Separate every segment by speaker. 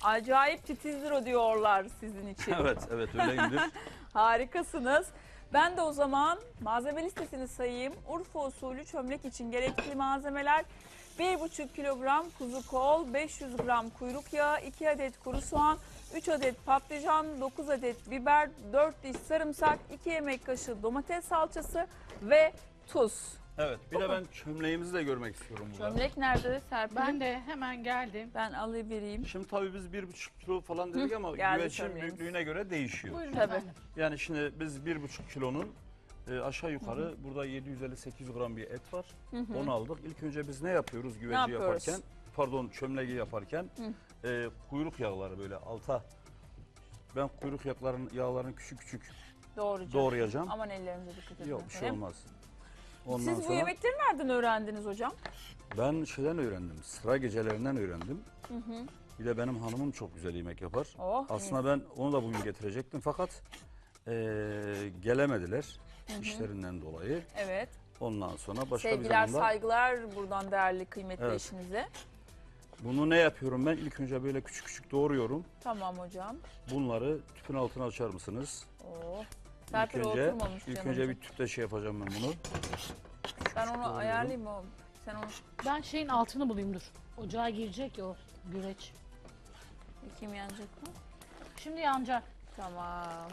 Speaker 1: Acayip titizdir o diyorlar sizin için.
Speaker 2: Evet, evet öyleyimdir.
Speaker 1: Harikasınız. Ben de o zaman malzeme listesini sayayım. Urfa usulü çömlek için gerekli malzemeler: 1,5 kilogram kuzu kol, 500 gram kuyruk yağı, 2 adet kuru soğan, 3 adet patlıcan, 9 adet biber, 4 diş sarımsak, 2 yemek kaşığı domates salçası ve tuz.
Speaker 2: Evet, bir de ben çömleğimizi de görmek istiyorum burada.
Speaker 1: Çömlek nerede Serpil?
Speaker 3: Ben de hemen geldim.
Speaker 1: Ben alıvereyim.
Speaker 2: Şimdi tabii biz 1,5 kilo falan dedik ama
Speaker 1: geldi
Speaker 2: güvecin
Speaker 1: çömleğimiz.
Speaker 2: büyüklüğüne göre değişiyor.
Speaker 3: Buyurun
Speaker 1: Tabii.
Speaker 3: efendim.
Speaker 2: Yani şimdi biz 1,5 kilonun aşağı yukarı burada 750-800 gram bir et var. Onu aldık. İlk önce biz ne yapıyoruz güveci
Speaker 1: yapıyoruz?
Speaker 2: yaparken? Pardon, çömleği yaparken kuyruk yağları böyle alta. Ben kuyruk yağlarını küçük küçük doğrayacağım.
Speaker 1: Aman ellerinize dikkat edin.
Speaker 2: Yok bir şey
Speaker 1: efendim.
Speaker 2: olmaz. Ondan
Speaker 1: Siz bu
Speaker 2: sonra
Speaker 1: yemekleri nereden öğrendiniz hocam?
Speaker 2: ben şeyden öğrendim. Sıra gecelerinden öğrendim. Bir de benim hanımım çok güzel yemek yapar.
Speaker 1: Oh,
Speaker 2: Aslında ben onu da bugün getirecektim fakat gelemediler işlerinden dolayı.
Speaker 1: Evet.
Speaker 2: Ondan sonra başka
Speaker 1: Sevgiler,
Speaker 2: bir zamanda
Speaker 1: saygılar buradan değerli, kıymetli
Speaker 2: Evet.
Speaker 1: eşinize.
Speaker 2: bunu ne yapıyorum ben? İlk önce böyle küçük küçük doğruyorum.
Speaker 1: Tamam hocam.
Speaker 2: Bunları tüpün altına açar mısınız?
Speaker 1: Oh.
Speaker 2: İlk
Speaker 1: Serpil
Speaker 2: önce,
Speaker 1: oturmamış
Speaker 2: ilk
Speaker 1: canım.
Speaker 2: önce bir tüpte şey yapacağım ben bunu.
Speaker 1: Ben onu
Speaker 2: doğruyorum.
Speaker 1: ayarlayayım mı? Sen onu
Speaker 3: Ben şeyin altını bulayım dur. Ocağa girecek ya o güveç.
Speaker 1: kim yanacak mı?
Speaker 3: Şimdi yanacak.
Speaker 1: Tamam.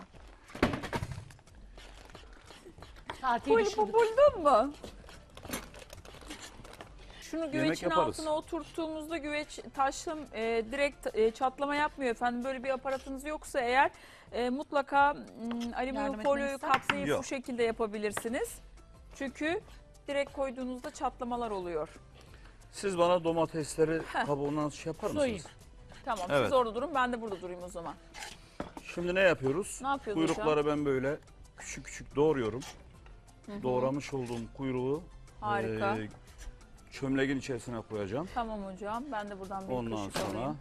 Speaker 3: Saatiyi
Speaker 1: Pul
Speaker 3: düşürdük.
Speaker 1: buldun mu? Şunu güvecin
Speaker 2: yaparız.
Speaker 1: altına oturttuğumuzda güveç taşım direkt çatlama yapmıyor efendim. Böyle bir aparatınız yoksa eğer mutlaka alüminyum
Speaker 3: Yardım
Speaker 1: folyoyu
Speaker 3: etmeni ister
Speaker 1: kapsayıp
Speaker 2: Yok.
Speaker 1: bu şekilde yapabilirsiniz. Çünkü direkt koyduğunuzda çatlamalar oluyor.
Speaker 2: Siz bana domatesleri kabuğundan şey yapar
Speaker 3: Soyayım.
Speaker 2: mısınız?
Speaker 1: Tamam
Speaker 2: Evet.
Speaker 1: siz orada durun, ben de burada durayım o zaman.
Speaker 2: Şimdi ne yapıyoruz?
Speaker 1: Ne yapıyoruz
Speaker 2: Kuyrukları ben böyle küçük küçük doğruyorum. Doğramış olduğum kuyruğu
Speaker 1: Harika.
Speaker 2: çömleğin içerisine koyacağım.
Speaker 1: Tamam hocam, ben de buradan bir
Speaker 2: Ondan
Speaker 1: kaşık
Speaker 2: sonra
Speaker 1: alayım.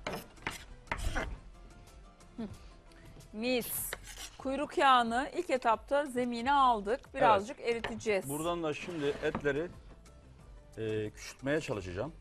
Speaker 1: Mis. Kuyruk yağını ilk etapta zemine aldık. Birazcık eriteceğiz.
Speaker 2: buradan da şimdi etleri küçültmeye çalışacağım.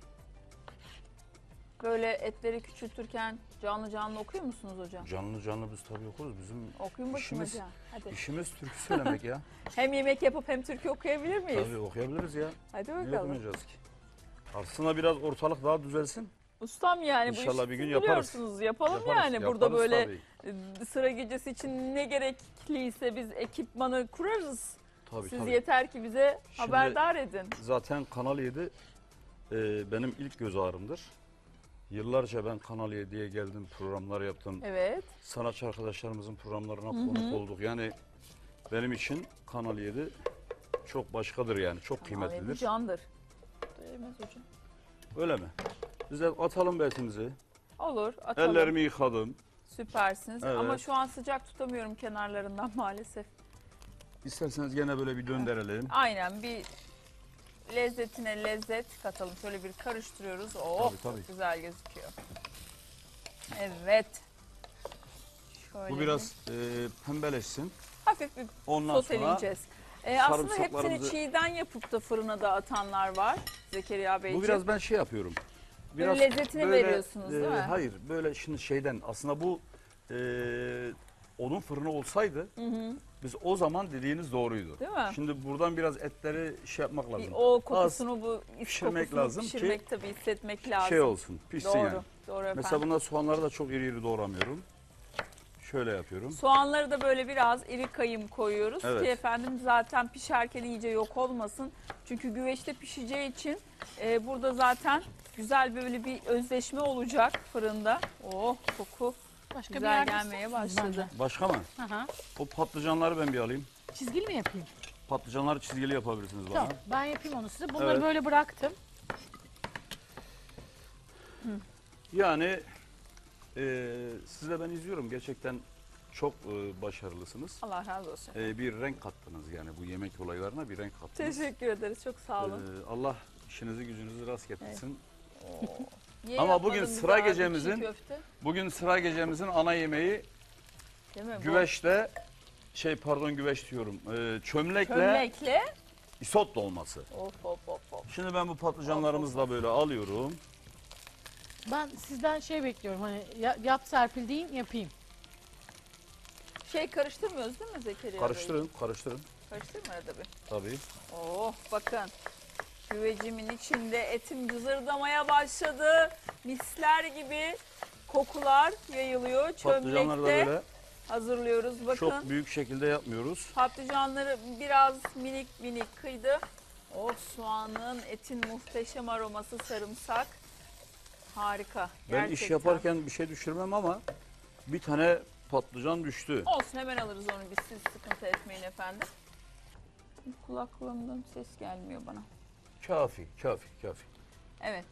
Speaker 1: Böyle etleri küçültürken canlı canlı okuyor musunuz hocam?
Speaker 2: Canlı canlı biz tabii okuruz. Bizim
Speaker 1: Okuyun bakayım
Speaker 2: işimiz-
Speaker 1: hocam. Hadi.
Speaker 2: işimiz türkü söylemek ya.
Speaker 1: Hem yemek yapıp hem türkü okuyabilir miyiz?
Speaker 2: Tabii okuyabiliriz ya.
Speaker 1: Hadi
Speaker 2: Niye
Speaker 1: bakalım.
Speaker 2: okumayacağız ki? Aslında biraz ortalık daha düzelsin.
Speaker 1: Ustam yani bu
Speaker 2: İnşallah
Speaker 1: işi
Speaker 2: bir gün
Speaker 1: siz
Speaker 2: yaparız.
Speaker 1: biliyorsunuz. Yapalım
Speaker 2: Yaparız,
Speaker 1: yani. Burada
Speaker 2: yaparız
Speaker 1: böyle
Speaker 2: tabii.
Speaker 1: sıra gecesi için ne gerekliyse biz ekipmanı kurarız.
Speaker 2: Tabii,
Speaker 1: Siz
Speaker 2: tabii.
Speaker 1: yeter ki bize
Speaker 2: Şimdi-
Speaker 1: haberdar edin.
Speaker 2: Zaten Kanal 7 benim ilk göz ağrımdır. Yıllarca ben Kanal 7'ye geldim, programlar yaptım.
Speaker 1: Evet.
Speaker 2: Sanatçı arkadaşlarımızın programlarına konuk olduk. Yani benim için Kanal 7 çok başkadır yani, çok
Speaker 1: Abi bu
Speaker 2: kıymetlidir.
Speaker 1: candır. Değmez hocam.
Speaker 2: Öyle mi? Biz de atalım betimizi.
Speaker 1: Olur, atalım.
Speaker 2: Ellerimi yıkadım.
Speaker 1: Süpersiniz.
Speaker 2: Evet.
Speaker 1: Ama şu an sıcak tutamıyorum kenarlarından maalesef.
Speaker 2: İsterseniz gene böyle bir döndürelim.
Speaker 1: Aynen, bir lezzetine lezzet katalım. Şöyle bir karıştırıyoruz. Oh,
Speaker 2: Tabii, tabii.
Speaker 1: çok güzel gözüküyor. Evet. Şöyle
Speaker 2: Bu biraz pembeleşsin.
Speaker 1: hafif bir
Speaker 2: Ondan sonra
Speaker 1: soteleyeceğiz. Aslında hepsini
Speaker 2: sarımsaklarımızı-
Speaker 1: çiğden yapıp da fırına da atanlar var Zekeriya Beyciğim.
Speaker 2: bu biraz ben şey yapıyorum.
Speaker 1: Böyle lezzetini veriyorsunuz, değil mi?
Speaker 2: Hayır, böyle şimdi şeyden aslında bu onun fırını olsaydı biz o zaman dediğiniz doğruydu.
Speaker 1: Değil mi?
Speaker 2: Şimdi buradan biraz etleri şey yapmak lazım.
Speaker 1: Bir o kokusunu, bu is
Speaker 2: pişirmek
Speaker 1: kokusunu
Speaker 2: lazım ki
Speaker 1: pişirmek tabii, hissetmek lazım.
Speaker 2: Şey olsun, pişsin
Speaker 1: Doğru,
Speaker 2: yani.
Speaker 1: doğru efendim.
Speaker 2: Mesela bunlar soğanları da çok iri iri doğramıyorum. Şöyle yapıyorum.
Speaker 1: Soğanları da böyle biraz iri kayım koyuyoruz
Speaker 2: Evet.
Speaker 1: ki efendim zaten pişerken iyice yok olmasın. Çünkü güveçte pişeceği için burada zaten güzel böyle bir özleşme olacak fırında. Oh, koku
Speaker 3: Başka bir
Speaker 1: güzel
Speaker 3: yerde
Speaker 1: gelmeye
Speaker 3: istersiniz
Speaker 1: başladı.
Speaker 2: Başka mı?
Speaker 3: bence. Aha.
Speaker 2: O patlıcanları ben bir alayım.
Speaker 3: Çizgili mi yapayım?
Speaker 2: Patlıcanları çizgili yapabilirsiniz bana.
Speaker 3: Tamam. Ben yapayım onu size. Bunları
Speaker 2: Evet.
Speaker 3: böyle bıraktım.
Speaker 2: Yani siz de ben izliyorum. Gerçekten çok başarılısınız.
Speaker 1: Allah razı olsun.
Speaker 2: Bir renk kattınız yani bu yemek olaylarına bir renk kattınız.
Speaker 1: Teşekkür ederiz, çok sağ olun.
Speaker 2: Allah işinizi gücünüzü rast getirsin.
Speaker 1: Niye
Speaker 2: ama bugün
Speaker 1: yapmadın
Speaker 2: sıra
Speaker 1: bize abi
Speaker 2: gecemizin-
Speaker 1: çiğ köfte?
Speaker 2: Bugün sıra gecemizin ana yemeği
Speaker 1: Değil mi? Bu
Speaker 2: güveçte güveç diyorum. Çömlekle
Speaker 1: çömlekle.
Speaker 2: isot dolması.
Speaker 1: Of of of of.
Speaker 2: Şimdi ben bu patlıcanlarımızı da böyle alıyorum.
Speaker 3: Ben sizden şey bekliyorum hani yap Serpil deyin yapayım.
Speaker 1: Karıştırmıyoruz değil mi Zekeriya Bey?
Speaker 2: Karıştırın, karıştırın.
Speaker 1: Karıştırma arada bir.
Speaker 2: Tabii.
Speaker 1: Oh bakın. Güvecimin içinde etim cızırdamaya başladı. Misler gibi kokular yayılıyor.
Speaker 2: Patlıcanları da
Speaker 1: Çömlekte
Speaker 2: böyle
Speaker 1: hazırlıyoruz. Bakın.
Speaker 2: çok büyük şekilde yapmıyoruz.
Speaker 1: Patlıcanları biraz minik minik kıydı. O soğanın, etin muhteşem aroması, sarımsak. Harika.
Speaker 2: Ben
Speaker 1: Gerçekten.
Speaker 2: iş yaparken bir şey düşürmem ama bir tane patlıcan düştü.
Speaker 1: Olsun, hemen alırız onu biz, siz sıkıntı etmeyin efendim. Kulaklığımdan ses gelmiyor bana.
Speaker 2: Kafi, kafi, kafi.
Speaker 1: Evet.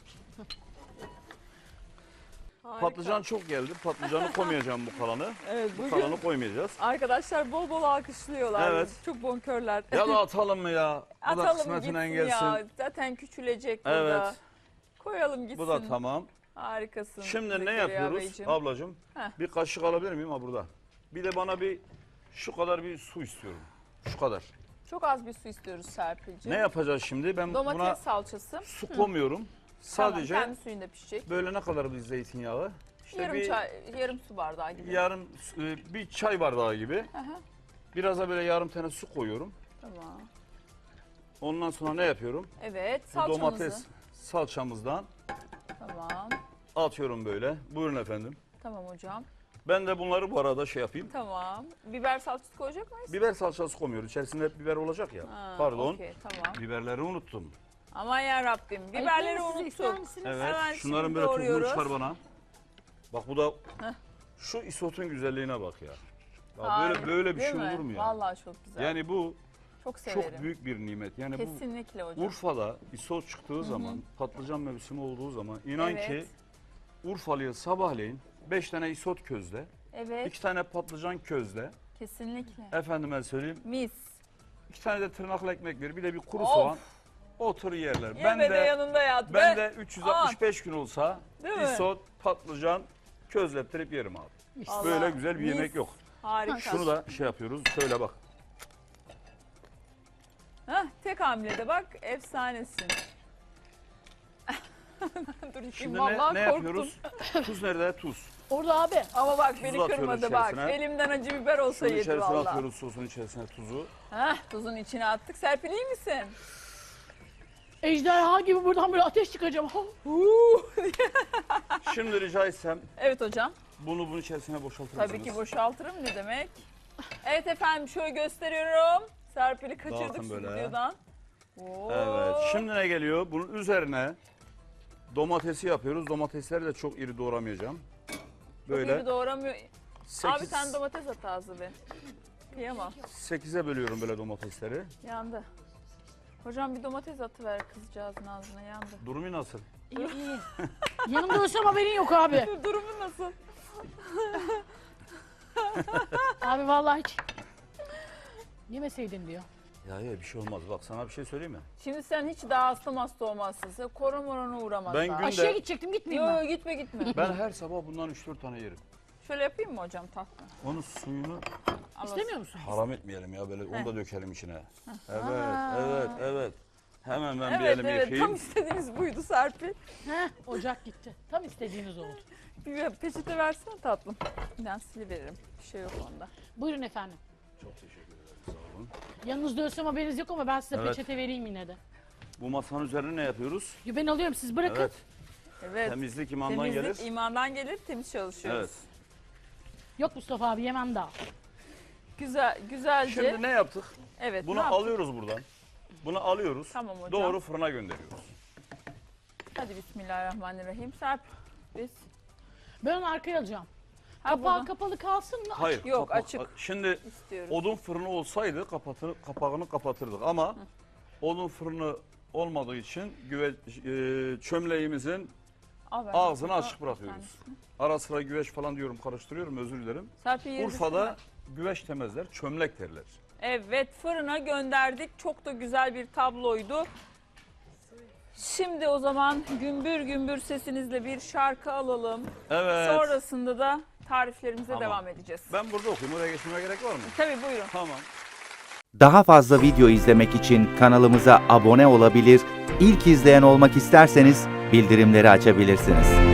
Speaker 1: Harika.
Speaker 2: Patlıcan çok geldi. Patlıcanı koymayacağım bu kalanı.
Speaker 1: Evet,
Speaker 2: Bu
Speaker 1: bugün
Speaker 2: kalanı koymayacağız.
Speaker 1: arkadaşlar bol bol alkışlıyorlar.
Speaker 2: Evet.
Speaker 1: Çok bonkörler.
Speaker 2: Ya da atalım mı ya? Bu da
Speaker 1: Atalım
Speaker 2: kısmetine
Speaker 1: gitsin
Speaker 2: gelsin.
Speaker 1: ya. Zaten küçülecek burada.
Speaker 2: Evet.
Speaker 1: Koyalım gitsin.
Speaker 2: Bu da tamam.
Speaker 1: Harikasın.
Speaker 2: Şimdi ne
Speaker 1: Zekeriya
Speaker 2: yapıyoruz
Speaker 1: Beyciğim.
Speaker 2: ablacığım?
Speaker 1: Heh.
Speaker 2: Bir kaşık alabilir miyim ha burada? Bir de bana şu kadar bir su istiyorum. Şu kadar.
Speaker 1: Çok az bir su istiyoruz Serpil'ciğim.
Speaker 2: Ne yapacağız şimdi? Ben
Speaker 1: Domates
Speaker 2: buna
Speaker 1: salçası.
Speaker 2: su koymuyorum. Sadece
Speaker 1: Tamam, kendi suyunda pişecek.
Speaker 2: böyle ne kadar bir zeytinyağı? İşte
Speaker 1: Yarım su bardağı gibi.
Speaker 2: bir çay bardağı gibi.
Speaker 1: Hı hı.
Speaker 2: Biraz da böyle yarım tane su koyuyorum.
Speaker 1: Tamam.
Speaker 2: Ondan sonra ne yapıyorum?
Speaker 1: Evet,
Speaker 2: Bu
Speaker 1: salçamızı.
Speaker 2: domates salçamızdan
Speaker 1: Tamam.
Speaker 2: atıyorum böyle. Buyurun efendim.
Speaker 1: Tamam hocam.
Speaker 2: Ben de bunları bu arada şey yapayım.
Speaker 1: Tamam. Biber salçası koyacak mıyız?
Speaker 2: Biber salçası koymuyoruz. İçerisinde hep biber olacak ya.
Speaker 1: Ha,
Speaker 2: Pardon.
Speaker 1: okey, tamam.
Speaker 2: Biberleri unuttum.
Speaker 1: Aman ya Rabbim. Biberleri
Speaker 3: Ayıplayın, siz ister
Speaker 1: unuttuk.
Speaker 3: misiniz?
Speaker 2: Evet.
Speaker 1: Hemen
Speaker 2: Şunların
Speaker 1: şimdi
Speaker 2: böyle tuzunu
Speaker 1: doğruyoruz.
Speaker 2: çıkar bana. Bak bu da
Speaker 1: Heh.
Speaker 2: şu isotun güzelliğine bak ya. Ya
Speaker 1: Harika,
Speaker 2: böyle bir
Speaker 1: değil
Speaker 2: şey
Speaker 1: mi?
Speaker 2: olur mu ya?
Speaker 1: Vallahi çok güzel.
Speaker 2: Yani bu
Speaker 1: çok severim.
Speaker 2: çok büyük bir nimet. Yani
Speaker 1: Kesinlikle
Speaker 2: bu
Speaker 1: hocam.
Speaker 2: Urfa'da isot çıktığı zaman, patlıcan mevsimi olduğu zaman inan
Speaker 1: Evet.
Speaker 2: ki Urfalı'ya sabahleyin 5 tane isot közle,
Speaker 1: Evet,
Speaker 2: 2 tane patlıcan közle,
Speaker 1: kesinlikle.
Speaker 2: efendime söyleyeyim
Speaker 1: Mis.
Speaker 2: 2 tane de tırnaklı ekmek ver, bir de bir kuru
Speaker 1: Of.
Speaker 2: soğan, otur yerler.
Speaker 1: Yeme de yanında yat.
Speaker 2: Ben
Speaker 1: be.
Speaker 2: de 365 gün olsa
Speaker 1: Değil mi?
Speaker 2: isot, patlıcan közlettirip yerim abi.
Speaker 1: Vallahi
Speaker 2: Böyle güzel bir
Speaker 1: mis.
Speaker 2: yemek yok.
Speaker 1: Harika.
Speaker 2: Şunu da şey yapıyoruz. Şöyle bak.
Speaker 1: Heh, tek hamlede bak, efsanesin. Dur içim
Speaker 2: Şimdi
Speaker 1: vallahi
Speaker 2: ne
Speaker 1: korktum.
Speaker 2: yapıyoruz? Tuz nerede? Tuz.
Speaker 3: Orada abi.
Speaker 1: Ama bak beni
Speaker 2: atıyoruz
Speaker 1: kırmadı bak.
Speaker 2: içerisine.
Speaker 1: Elimden acı biber olsa
Speaker 2: Şunun
Speaker 1: yedi
Speaker 2: içerisine
Speaker 1: vallahi.
Speaker 2: atıyoruz sosun içerisine tuzu.
Speaker 1: Heh, tuzun içine attık. Serpil iyi misin?
Speaker 3: Ejderha gibi buradan böyle ateş çıkacağım.
Speaker 2: Şimdi rica etsem
Speaker 1: Evet hocam.
Speaker 2: bunun içerisine boşaltır mısınız?
Speaker 1: Tabii ki boşaltırım, ne demek. Evet efendim, şöyle gösteriyorum. Serpil'i kaçırdık
Speaker 2: Dağıtın böyle.
Speaker 1: stüdyodan. Oo.
Speaker 2: Evet. Şimdi ne geliyor? Bunun üzerine domatesi yapıyoruz. Domatesleri de çok iri doğramayacağım.
Speaker 1: Çok
Speaker 2: Böyle
Speaker 1: iyi doğramıyor. Abi
Speaker 2: 8,
Speaker 1: sen domates at ağzı be. Kıyamam.
Speaker 2: 8'e bölüyorum böyle domatesleri.
Speaker 1: Yandı. Hocam bir domates atıver kızcağızın ağzına, yandı.
Speaker 2: Durumu nasıl?
Speaker 3: İyi iyi. Yanımda ölsem haberin yok abi.
Speaker 1: Durumun nasıl?
Speaker 3: Abi vallahi hiç yemeseydin diyor.
Speaker 2: Ya bir şey olmaz. Bak sana bir şey söyleyeyim mi?
Speaker 1: Şimdi sen hiç daha hasta olmazsın. Sen korona uğramaz
Speaker 2: Ben
Speaker 1: daha.
Speaker 2: gün-
Speaker 3: Aşağıya gidecektim gitmeyeyim
Speaker 1: Yo
Speaker 3: ben.
Speaker 1: gitme gitme.
Speaker 2: Ben her sabah bundan 3-4 tane yerim.
Speaker 1: Şöyle yapayım mı hocam tatlı?
Speaker 2: Onun suyunu
Speaker 3: İstemiyor musun?
Speaker 2: haram etmeyelim ya böyle onu da dökelim içine. Evet,
Speaker 1: Aa.
Speaker 2: evet. Hemen ben bir
Speaker 1: Evet
Speaker 2: elimi
Speaker 1: evet,
Speaker 2: yıkayayım.
Speaker 1: tam istediğiniz buydu Serpil.
Speaker 3: Heh, ocak gitti. Tam istediğiniz oldu.
Speaker 1: Bir peçete versene tatlım. Ben siliveririm. Bir şey yok onda.
Speaker 3: Buyurun efendim.
Speaker 2: Çok teşekkür ederim. Sağ olun.
Speaker 3: Yanınızda ölsem haberiniz yok ama ben size
Speaker 2: Evet.
Speaker 3: peçete vereyim yine de.
Speaker 2: Bu masanın üzerine ne yapıyoruz?
Speaker 3: Yo, ben alıyorum siz bırakın.
Speaker 2: Evet.
Speaker 1: Evet.
Speaker 2: Temizlik imandan
Speaker 1: Temizlik
Speaker 2: gelir.
Speaker 1: imandan gelir, temiz çalışıyoruz.
Speaker 2: Evet.
Speaker 3: Yok Mustafa abi yemem daha.
Speaker 1: Güzelce.
Speaker 2: Şimdi ne yaptık?
Speaker 1: Evet.
Speaker 2: Bunu
Speaker 1: ne yaptık?
Speaker 2: alıyoruz buradan. Bunu alıyoruz.
Speaker 1: Tamam hocam.
Speaker 2: Doğru fırına gönderiyoruz.
Speaker 1: Hadi bismillahirrahmanirrahim. Serpil. Biz.
Speaker 3: Ben onu arkaya alacağım.
Speaker 1: Ha,
Speaker 3: Kapağı
Speaker 1: buradan
Speaker 3: kapalı kalsın mı?
Speaker 2: Hayır.
Speaker 1: Yok, açık.
Speaker 2: Şimdi
Speaker 1: istiyoruz.
Speaker 2: odun fırını olsaydı kapağını kapatırdık ama odun fırını olmadığı için çömleğimizin
Speaker 1: Al ben
Speaker 2: ağzını
Speaker 1: de
Speaker 2: açık
Speaker 1: bir
Speaker 2: bırakıyoruz.
Speaker 1: tanesini.
Speaker 2: Ara sıra güveç falan diyorum, karıştırıyorum, özür dilerim.
Speaker 1: Serpil yeri
Speaker 2: Urfa'da
Speaker 1: düşürme.
Speaker 2: güveç demezler, çömlek derler.
Speaker 1: Evet, fırına gönderdik. Çok da güzel bir tabloydu. Şimdi o zaman gümbür gümbür sesinizle bir şarkı alalım.
Speaker 2: Evet.
Speaker 1: Sonrasında da tariflerimize
Speaker 2: Tamam.
Speaker 1: devam edeceğiz.
Speaker 2: Ben burada okuyayım, oraya geçmeme gerek var mı?
Speaker 1: Tabii buyurun.
Speaker 2: Tamam.
Speaker 4: Daha fazla video izlemek için kanalımıza abone olabilir, ilk izleyen olmak isterseniz bildirimleri açabilirsiniz.